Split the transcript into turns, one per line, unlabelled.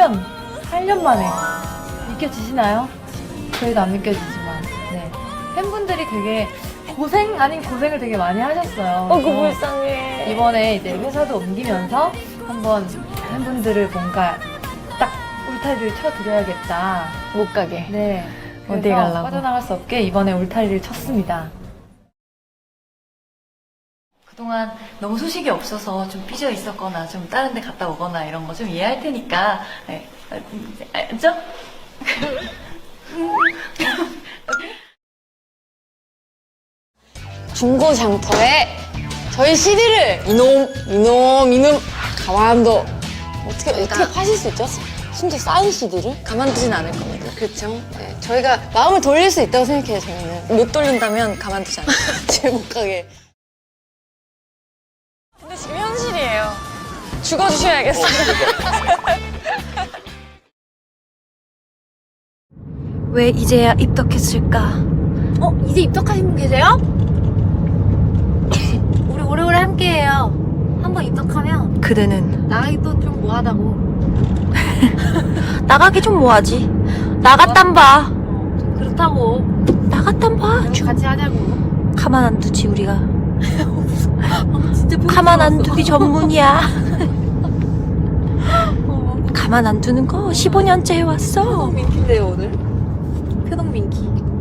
8년 만에. 믿겨지시나요? 저희도 안 믿겨지지만. 네. 팬분들이 되게 고생 아닌 고생을 되게 많이 하셨어요.
그 불쌍해.
이번에 이제 회사도 옮기면서 한번 팬분들을 뭔가 딱 울타리를 쳐드려야겠다.
못 가게.
네.
어디
그래서
가려고?
빠져나갈 수 없게 이번에 울타리를 쳤습니다. 그동안 너무 소식이 없어서 좀 삐져 있었거나 좀 다른 데 갔다 오거나 이런 거 좀 이해할 테니까. 네. 알죠?
중고 장터에 저희 CD를 이놈 가만둬. 어떻게 파실 수 있죠? 심지어 쌓인 CD를 가만두진 않을 겁니다. 그렇죠. 네, 저희가 마음을 돌릴 수 있다고 생각해요. 저희는 못 돌린다면 가만두지 않아요. 집에 못 가게. 근데 지금 현실이에요. 죽어주셔야겠어요.
왜 이제야 입덕했을까? 이제 입덕하신 분 계세요? 우리 오래오래 함께해요. 한번 입덕하면
그대는
나가기도 좀 뭐하다고.
나가기 좀 뭐하지? 나갔단 봐.
좀 그렇다고.
나갔단 봐.
그래서 같이 하자고.
가만 안 두지 우리가.
진짜
가만 안 두기 전문이야. 가만 안 두는 거 15년째 해왔어.
민키인데요 오늘. 표동 민키.